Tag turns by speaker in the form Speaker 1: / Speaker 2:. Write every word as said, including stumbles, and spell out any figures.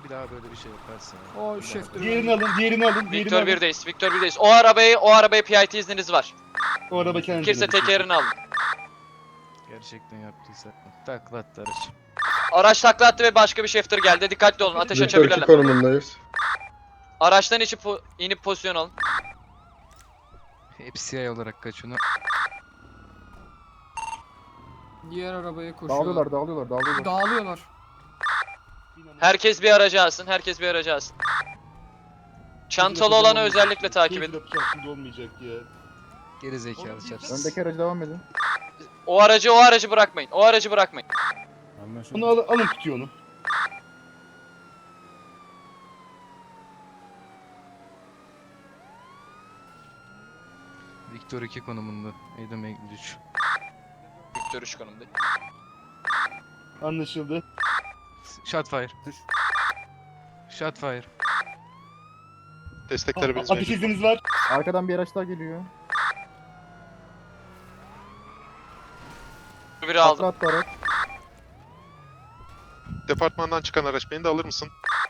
Speaker 1: Bir daha böyle bir şey yaparsın. ya.
Speaker 2: O
Speaker 1: Bir daha
Speaker 2: şef
Speaker 1: böyle-
Speaker 3: Diğerini alın, diğerini alın, diğerini
Speaker 4: Victor
Speaker 3: alın.
Speaker 4: birdeyiz. Victor birdeyiz. O arabayı, o arabayı P I T izniniz var.
Speaker 3: O araba kendine.
Speaker 4: Kimse tekerini alın.
Speaker 1: Gerçekten yaptıysa. Taklattı araç.
Speaker 4: Araç takla attı ve başka bir shifter geldi. Dikkatli olun. Ateş
Speaker 5: Victor iki
Speaker 4: açabilirler.
Speaker 5: konumundayız.
Speaker 4: Araçtan içip po- inip pozisyon alın.
Speaker 1: Hepsi yay olarak kaçını.
Speaker 2: Diğer arabaya koşuyor.
Speaker 6: Dağılıyorlar, dağılıyorlar, dağılıyorlar.
Speaker 2: Dağılıyorlar.
Speaker 4: Herkes bir aracı alsın. Herkes bir aracı alsın. Çantalı olanı özellikle takip edin.
Speaker 3: Yapacağım şimdi olmayacak ya.
Speaker 1: Geri zekalı çarpsın.
Speaker 6: Öndeki aracı devam edin.
Speaker 4: O aracı, o aracı bırakmayın. O aracı bırakmayın.
Speaker 3: Onu al, alın tutuyor onu.
Speaker 1: Victor iki konumunda. Adam üç.
Speaker 4: Victor üç konumda.
Speaker 3: Anlaşıldı.
Speaker 1: Shotfire. Shotfire.
Speaker 7: Desteklerimiz
Speaker 3: Ateş
Speaker 7: mevcut.
Speaker 3: izniniz var.
Speaker 6: Arkadan bir araç daha geliyor.
Speaker 4: Biri
Speaker 6: Takla
Speaker 4: aldım.
Speaker 6: attı araç.
Speaker 7: Departmandan çıkan araç beni de alır mısın?